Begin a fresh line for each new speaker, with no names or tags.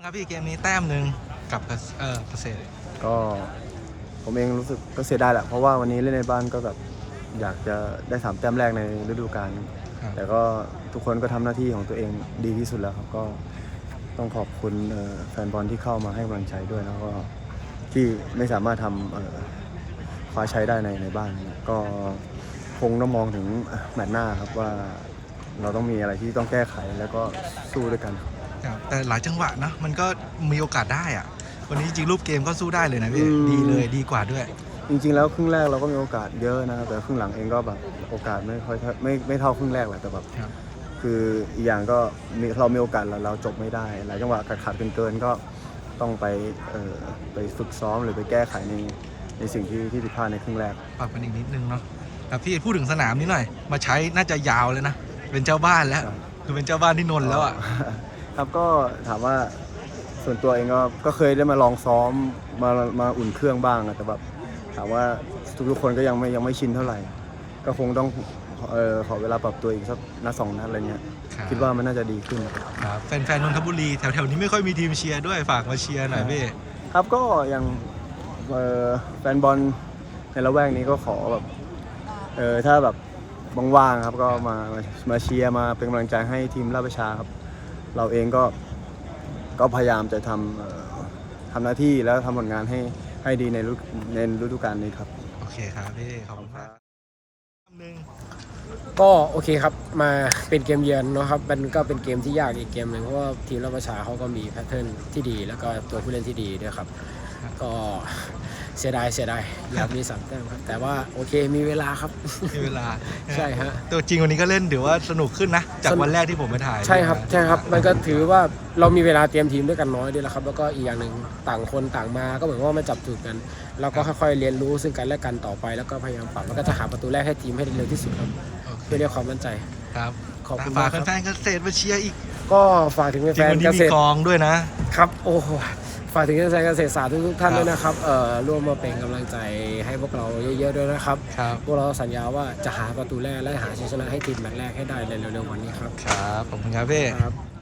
ครับพี่เกมนี้แต้มหนึ่งกับเกษตร
ก็ผมเองรู้สึกก็เสียดายแหละเพราะว่าวันนี้เล่นในบ้านก็แบบอยากจะได้3 แต้มแรกในฤดูกาลแต่ก็ทุกคนก็ทำหน้าที่ของตัวเองดีที่สุดแล้วครับก็ต้องขอบคุณแฟนบอลที่เข้ามาให้กำลังใจด้วยแล้วก็ที่ไม่สามารถทำคว้าชัยได้ในบ้านก็คงต้องมองถึงแมตช์หน้าครับว่าเราต้องมีอะไรที่ต้องแก้ไขแล้วก็สู้ด้วยกัน
ครับแต่หลายจังหวะนะมันก็มีโอกาสได้อะวันนี้จริงรูปเกมก็สู้ได้เลยนะพี่ดีเลยดีกว่าด้วย
จริงๆแล้วครึ่งแรกเราก็มีโอกาสเยอะนะครับแต่ครึ่งหลังเองก็แบบโอกาสไม่ค่อยไม่เท่าครึ่งแรกแหละแต่แบบคืออีกอย่างก็เรามีโอกาสเราจบไม่ได้หลายจังหวะขาดเกินก็ต้องไปฝึกซ้อมหรือไปแก้ไขในสิ่งที่ผิดพลาดในครึ่งแรก
ปรับกันอีกนิดนึงเนาะแต่พี่พูดถึงสนามนี้หน่อยมาใช้น่าจะยาวเลยนะเป็นเจ้าบ้านแล้วคือเป็นเจ้าบ้านที่นนท์แล้วอ่ะ
ครับก็ถามว่าส่วนตัวเองก็เคยได้มาลองซ้อมมาอุ่นเครื่องบ้างแต่แบบถามว่าทุกคนก็ยังไม่ชินเท่าไหร่ก็คงต้องขอเวลาปรับตัวอีกสักนัด2 นัดอะไรเงี้ยคิดว่ามันน่าจะดีขึ้น
ครับแฟนนนทบุรีแถวนี้ไม่ค่อยมีทีมเชียร์ด้วยฝากมาเชียร์หน่อยพี่
ครับก็อย่างแฟนบอลในละแวกนี้ก็ขอแบบถ้าแบบว่างๆครับก็มาเชียร์มาเป็นกำลังใจให้ทีมราชประชาครับเราเองก็พยายามจะทำหน้าที่แล้วทำผลงานให้ดีในฤดูกาลนี้ครับ
โอเคครับพี่ขอบคุณครับ
ก็โอเคครับมาเป็นเกมเยือนเนาะครับมันก็เป็นเกมที่ยากอีกเกมหนึ่งเพราะว่าทีมราชประชาเขาก็มีแพทเทิร์นที่ดีแล้วก็ตัวผู้เล่นที่ดีด้วยครับก็เสียดายอยากมี3 แต้มครับแต่ว่าโอเคมีเวลาครับ
มีเวลา
ใช่ฮะ
ตัวจริงวันนี้ก็เล่นถือว่าสนุกขึ้นนะจากวันแรกที่ผมไปถ่าย
ใช่ครับมันก็ถือว่าเรามีเวลาเตรียมทีมด้วยกันน้อยด้วยแล้วครับแล้วก็อีกอย่างหนึ่งต่างคนต่างมาก็เหมือนว่ามาจับจุดกันเราก็ค่อยๆเรียนรู้ซึ่งกันและกันต่อไปแล้วก็พยายามปรับแล้วก็จะหาประตูแรกให้ทีมให้เร็วที่สุดครับเพื่อเรียกความมั่นใจ
ครับ
ขอบคุณ
ฝาก
แฟ
นๆเกษตรมาเชียร์อีก
ก็ฝากถึงแฟนเกษตร
กองด้วยนะครับ
โอ้ฝากถึงแฟนเกษตรศาสตร์ทุกท่านด้วยนะครับร่วมมาเป็นกำลังใจให้พวกเราเยอะๆด้วยนะครับพวกเราสัญญาว่าจะหาประตูแรกและหาชัยชนะให้ทีมแมตช์แรกให้ได้ในเร็วๆวันนี้ครับ
ครับขอบคุณครับพี่
ครับ